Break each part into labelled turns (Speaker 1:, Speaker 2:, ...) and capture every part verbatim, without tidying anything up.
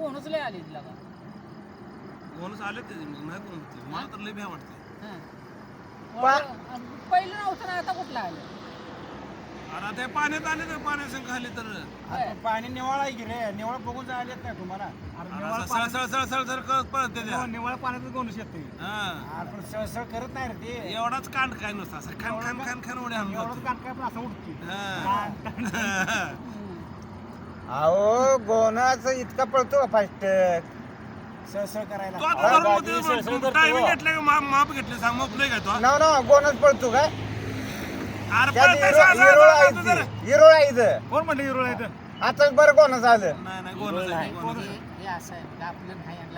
Speaker 1: कोणच लय आले तिला का
Speaker 2: कोणच आले ते नाही कोण होते मला तर लय भ्या वाटते
Speaker 1: पहिलं नव्हतं ना आता कुठलं आलं
Speaker 2: अरे ते पाण्यात आले तर पाण्यासंग खाली तर
Speaker 3: पाणी निवाळ आहे की रे निवाळ बघून जायला नाही तुम्हाला
Speaker 2: सळ सळ सळ सळ सळ करत पळते त्या
Speaker 3: निवाळ पाण्यातच गोंडूस येते
Speaker 2: हा
Speaker 3: आपण सळसळ करत नाही रे ते
Speaker 2: एवढाच कांड काय नुसतं असं खान खान खान खान उड्या आणून
Speaker 3: एवढंच कान काय पण असं उठते
Speaker 2: हा.
Speaker 4: अहो गोनाच इतका पळतो फास्ट
Speaker 3: सळसळ करायला
Speaker 2: तो आता धरून टायमिंग घेतलं का माप माप घेतले सांग माप नाही का तो
Speaker 4: नाव ना गोनच पळतो काय
Speaker 2: अरे
Speaker 4: त्यात
Speaker 2: पळतंय
Speaker 4: हिरो-
Speaker 2: असं- असं-
Speaker 4: हिरोळ
Speaker 2: असं- असं-
Speaker 4: आहे
Speaker 2: जरा.
Speaker 4: ती. हिरोळ आहे इथं.
Speaker 3: कोण म्हणलं हिरो आहे
Speaker 4: आता बरं गोनच आलं
Speaker 2: नाही नाही गोनच आहे, गोनच आहे.
Speaker 1: हे असं आहे का आपलं नाही आणलं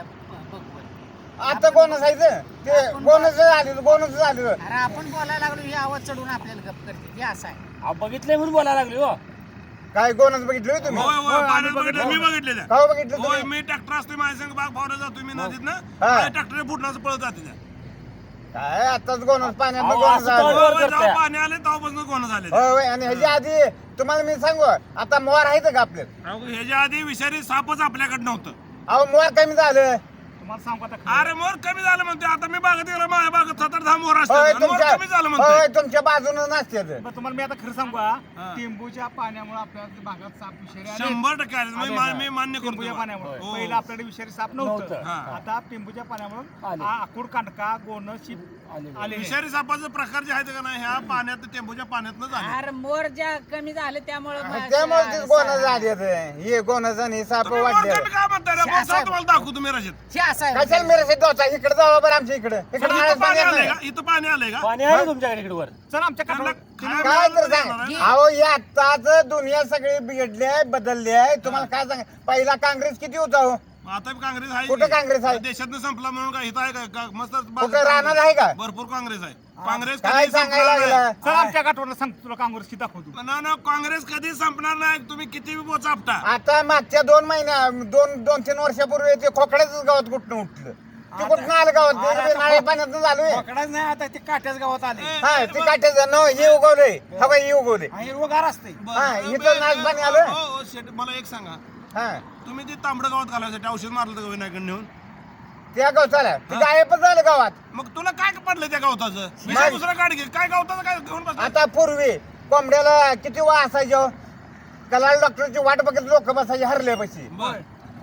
Speaker 1: बघ
Speaker 4: आता गोनच आहे इथं. ते गोनच आलेलं गोनच आलेलं
Speaker 1: अरे आपण बोलायला लागलो हे आवाज चढून आपल्याला गप करते हे असं आहे
Speaker 5: बघितलंय म्हणून बोलायला लागली हो
Speaker 4: काय गोनच बघितलं होय तुम्ही
Speaker 2: होय होय पाण्यात बघितलं मी बघितलेलं
Speaker 4: का बघितलं
Speaker 2: होय
Speaker 4: तुम्ही
Speaker 2: मी ट्रॅक्टर असतो माझ्या संग बाग फावला जातो मी नदीत ना
Speaker 4: हा.
Speaker 2: ट्रॅक्टर फुटण्याचं पळत जाते त्या.
Speaker 4: काय आताच गोनच पाण्यात
Speaker 5: अहो,
Speaker 4: गोनच
Speaker 5: असं
Speaker 4: आलं
Speaker 5: तर-
Speaker 2: होय, होय,
Speaker 5: करताय.
Speaker 2: जेव्हा पाणी आले तेव्हापासून कोण झाले
Speaker 4: होय होय आणि ह्याच्या आधी तुम्हाला मी सांगू आता मोर आहेत का आपले
Speaker 2: ह्याच्या आधी विषारी सापच आपल्याकडे नव्हतं
Speaker 4: अहो मोर कमी झालं
Speaker 3: तुम्हाला सांगू आता
Speaker 2: अरे मोर कमी झालं म्हणते आता मी बागेत गेलो माझ्या बागेत सात आठ दहा मोर
Speaker 4: होय
Speaker 2: असतात मोर
Speaker 4: तुमच्या
Speaker 2: कमी झालं
Speaker 4: होय
Speaker 2: म्हणते
Speaker 4: तुमच्या बाजूनं नसते
Speaker 3: बरं, तुम्हाला मी आता खरं सांगू
Speaker 2: हा.
Speaker 3: का टेंबूच्या पाण्यामुळे आपल्या भागात साप विषारी आले.
Speaker 2: शंभर टक्के आले. मी मा- मी मान्य
Speaker 3: टेंबूच्या
Speaker 2: करतो
Speaker 3: पाण्यामुळे
Speaker 2: हो.
Speaker 3: पहिला आपल्याकडे विषारी साप नव्हतं
Speaker 5: नव्हतं.
Speaker 2: हा.
Speaker 3: आता टेंबूच्या पाण्यामुळे
Speaker 5: आले.
Speaker 3: आकुड कांडका गोण शिप
Speaker 5: आले.
Speaker 3: आले
Speaker 2: विषारी सापाचे प्रकार जे आहेत का नाही ह्या पाण्यात टेंबूच्या पाण्यातनं झाले
Speaker 1: अरे मोर ज्या कमी झाले त्यामुळे
Speaker 4: त्यामुळे ते गोनच झाले हे गोनच आणि साप
Speaker 2: तुम्ही मोर
Speaker 4: वाढले
Speaker 2: कमी काय म्हणताय रे? मोर साप तुम्हाला दाखवू तुम्ही रशीद
Speaker 1: हे असं आहे
Speaker 4: कशाला मेरे शेत गावचा इकडे जावा बरं आमच्या इकडे इकडे
Speaker 2: इथं
Speaker 4: नारळ
Speaker 2: पाणी
Speaker 4: पाणी
Speaker 2: आलंय
Speaker 4: आहे.
Speaker 2: का इथं पाणी आलंय का
Speaker 5: पाणी आहे तुमच्याकडे इकडे वर
Speaker 3: चल आमच्या
Speaker 2: त्यांना
Speaker 3: काठावर
Speaker 2: खायला
Speaker 4: काय तर
Speaker 2: मिळालं
Speaker 4: सांग
Speaker 2: नाही.
Speaker 4: अहो या आताच दुनिया सगळी बिघडली आहे बदलली आहे तुम्हाला काय सांग पहिला काँग्रेस किती होता हो
Speaker 2: आता बी काँग्रेस आहे
Speaker 4: कुठं
Speaker 2: की?
Speaker 4: काँग्रेस आहे?
Speaker 2: देशातनं संपला म्हणून काय इथं आहे का? का मस्त
Speaker 4: कुठं राहणार आहे का
Speaker 2: भरपूर काँग्रेस आहे काँग्रेस
Speaker 4: काय
Speaker 2: कधी
Speaker 4: सांगायला
Speaker 2: संपणार नाही.
Speaker 4: लागला
Speaker 3: चल आमच्या काठावर सांग तुला काँग्रेस किती दाखवतो
Speaker 2: ना ना काँग्रेस कधी संपणार नाही तुम्ही किती बी बोचा आपटा
Speaker 4: आता मागच्या दोन महिन्या दोन दोन तीन वर्षापूर्वी ते खोकड्याच गावात कुठनं उठलं ते कुठनं आलं गावात ते नाळे पाण्यात झालं
Speaker 3: पकडाच नाही आता ते काट्याच गावात आले
Speaker 2: ए,
Speaker 4: हा
Speaker 2: ए,
Speaker 4: ते
Speaker 2: बघ.
Speaker 4: काट्याचं न हे उगवलंय हवा हे उगवले
Speaker 3: हा हिरवगार असते
Speaker 2: बरं,
Speaker 4: हा,
Speaker 2: बरं,
Speaker 4: इथं
Speaker 2: बरं,
Speaker 4: नाच पाणी
Speaker 2: हो,
Speaker 4: आलं.
Speaker 2: हो, हो, शेट, मला एक सांगा
Speaker 4: हा
Speaker 2: तुम्ही ते तांबडं गावात घालायसाठी औषध मारलं का विनायकडे नेऊन
Speaker 4: त्या गावचाला ते गायबच झालं गावात
Speaker 2: मग तुला काय पडलं त्या गवताचं विषय दुसरा काढ घे काय गवताचं काय घेऊन बसला
Speaker 4: आता पूर्वी कोंबड्याला किती वा असायचो कलाल डॉक्टरची वाट बघत लोक बसायचे हरल्यापाशी
Speaker 2: बर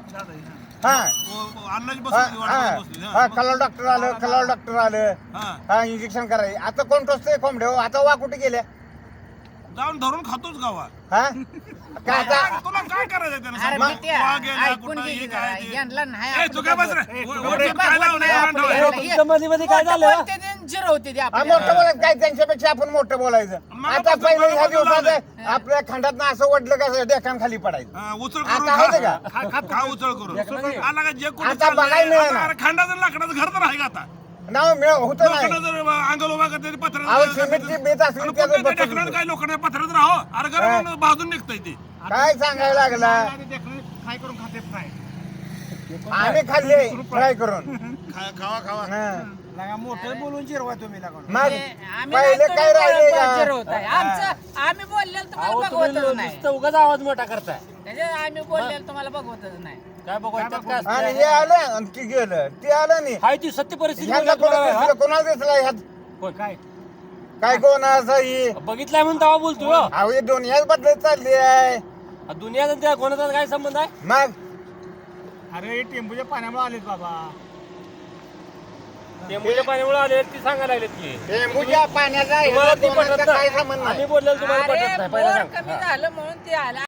Speaker 4: हा
Speaker 2: अन्नाची
Speaker 4: हा,
Speaker 2: बसली वाट
Speaker 4: हा
Speaker 2: बसली
Speaker 4: हा, कलाल डॉक्टर आलं कलाल डॉक्टर आलं
Speaker 2: हा
Speaker 4: हा इंजेक्शन करायचे आता कोण टोचतोय कोंबड्या हो? आता वा कुठे गेल्या
Speaker 2: जाऊन धरून खातोच गावा
Speaker 4: हा काय आता
Speaker 2: तुला काय करायचं त्यानं
Speaker 1: अरे
Speaker 2: सांग?
Speaker 1: बिट्या,
Speaker 2: वा गेला,
Speaker 1: ऐकून
Speaker 2: कुठं
Speaker 1: घे
Speaker 2: हे
Speaker 1: की
Speaker 2: काय
Speaker 1: जरा.
Speaker 2: ते.
Speaker 1: यांना नाही
Speaker 2: ए,
Speaker 1: आपण
Speaker 2: तू काय बस रे
Speaker 3: ए,
Speaker 2: वर-
Speaker 3: तू
Speaker 2: वरती
Speaker 1: बघ,
Speaker 2: काय
Speaker 1: बघ,
Speaker 2: लावलंय?
Speaker 1: बघ,
Speaker 2: काय
Speaker 1: बघ,
Speaker 2: ठेवलंय?
Speaker 1: बघ.
Speaker 5: तुमच्या मध्ये मध्ये काय झालं
Speaker 1: बोलते ते झिरो होते ते
Speaker 4: हा,
Speaker 1: आपल्याला.
Speaker 4: मोठं बोलायचं काय त्यांच्यापेक्षा आपण मोठं बोलायचं
Speaker 2: मला
Speaker 4: आता
Speaker 2: पण-
Speaker 4: पहिले
Speaker 2: मला
Speaker 4: ह्या
Speaker 2: पण
Speaker 4: दिवसात
Speaker 2: लावलंय.
Speaker 4: आपल्या खंडात असं वडलं का डेकान खाली पडायचं
Speaker 2: हा, उचल करून
Speaker 4: आता आहे
Speaker 2: खा.
Speaker 4: का?
Speaker 2: खा- खा- खा उचल करून
Speaker 5: ढेकणाची?
Speaker 2: आला का जे कुठं
Speaker 4: आता
Speaker 2: चाललंय,
Speaker 4: बघायला मिळेना.
Speaker 2: आता अरे खंडाचं लाकडाचं घर तर आहे का आता
Speaker 4: नाव मिळ होत नाही
Speaker 2: लोकांना जर अंगल उभा करते पत्र
Speaker 4: अहो सिमेंटची बेत असली त्याचं बसत
Speaker 2: ढेकणार
Speaker 4: होतं.
Speaker 2: काय लोकांना पत्रात राहो अरे गरम बाजून निघतंय ते
Speaker 4: काय सांगायला लागला
Speaker 3: काय करून खाते फ्राय
Speaker 4: आम्ही खाल्ले फ्राय करून
Speaker 2: खा- खावा खावा
Speaker 4: हा.
Speaker 3: लगा मोठं बोलून जिरवा तुम्ही लगा
Speaker 4: मग
Speaker 1: ते आम्ही
Speaker 4: पहिले
Speaker 1: नाही
Speaker 4: काय
Speaker 1: करून
Speaker 4: राहिले
Speaker 1: झिरो
Speaker 4: का
Speaker 1: होत आहे. आमचं आम्ही बोललेलं तुम्हाला
Speaker 5: अहो तुम्ही
Speaker 1: बघवतच नाही
Speaker 5: नुसतं उगाच आवाज मोठा करताय
Speaker 1: त्याच्यात आम्ही बोललेलं तुम्हाला बघवतच नाही
Speaker 5: काय बघायचं काय
Speaker 4: आणि हे
Speaker 5: असतं?
Speaker 4: आलं आणि ते गेलं ते आलं नाही
Speaker 5: हाय ती सत्य परिस्थिती
Speaker 4: ह्यांना
Speaker 5: बोलल्या
Speaker 4: कोणाला
Speaker 5: तुम्हाला,
Speaker 4: दिसलं कोणाला दिसला ह्यात
Speaker 5: होय.
Speaker 3: काय
Speaker 4: काय कोण असं ही
Speaker 5: हा? बघितलंय म्हणून तेव्हा बोलतोय हो.
Speaker 4: अहो हे दुनियाच बदलत चालली आहे
Speaker 5: हा, दुनियाचा त्या कोणाचा काय संबंध आहे
Speaker 4: मग
Speaker 3: अरे टेंबूच्या पाण्यामुळे आलेत बाबा
Speaker 5: टेंबूच्या पाण्यामुळे आले ती सांगायला लागलेत की
Speaker 4: टेंबूच्या पाण्याचा
Speaker 5: तुम्हाला
Speaker 4: ह्याला
Speaker 5: ती
Speaker 4: कोणाचा
Speaker 5: पटत
Speaker 4: काही
Speaker 5: नाही
Speaker 4: संबंध नाही
Speaker 5: आम्ही बोललेलं तुम्हाला
Speaker 1: अरे
Speaker 5: पटत नाही पहिला
Speaker 1: बोर
Speaker 5: सांग
Speaker 1: कमी
Speaker 5: हा.
Speaker 1: झालं म्हणून ते आलं